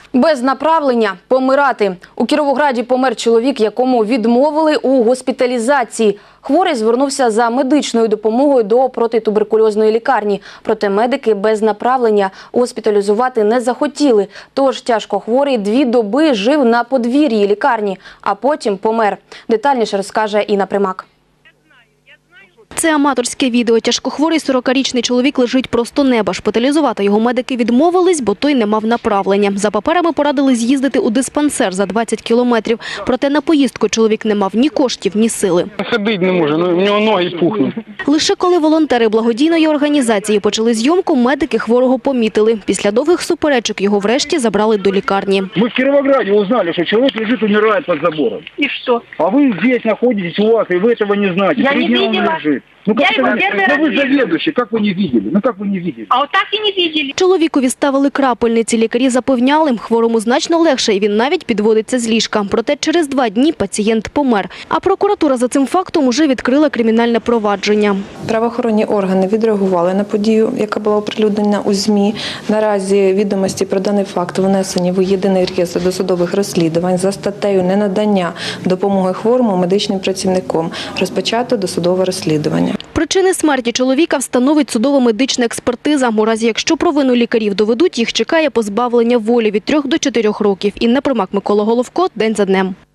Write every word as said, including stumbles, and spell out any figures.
Без направлення – помирати. У Кіровограді помер чоловік, якому відмовили у госпіталізації. Хворий звернувся за медичною допомогою до протитуберкульозної лікарні. Проте медики без направлення госпіталізувати не захотіли. Тож тяжко хворий дві доби жив на подвір'ї лікарні, а потім помер. Детальніше розкаже Інна Примак. Це аматорське відео. Тяжкохворий сорокарічний чоловік лежить просто неба. Шпиталізувати його медики відмовились, бо той не мав направлення. За паперами порадили з'їздити у диспансер за двадцять кілометрів. Проте на поїздку чоловік не мав ні коштів, ні сили. Ходити не може, у нього ноги пухнуть. Лише коли волонтери благодійної організації почали зйомку, медики хворого помітили. Після довгих суперечок його врешті забрали до лікарні. Ми в Кіровограді узнали, що чоловік лежить, умирає під забором. И что? А ви тут знаходитесь у вас, і ви цього не знаєте. Я Три не дня он видела. лежит. Ну как Я это его не- первый Да раз вы вижу. заведующий, как вы не видели? Ну как вы не видели? А вот так и не видели. Чоловікові ставили крапельниці. Лікарі запевняли, хворому значно легше, і він навіть підводиться з ліжка. Проте через два дні пацієнт помер. А прокуратура за цим фактом уже відкрила кримінальне провадження. Правоохоронні органи відреагували на подію, яка була оприлюднена у ЗМІ. Наразі відомості про даний факт внесені в єдиний реєстр досудових розслідувань за статтею «Ненадання допомоги хворому медичним працівникам». Розпочато досудове розслідування. Причини смерті чоловіка встановить судово-медична експертиза. У разі, якщо провину лікарів доведуть, їх чекає позбавлення волі від трьох до чотирьох років. Інна Примак, Микола Головко. День за днем.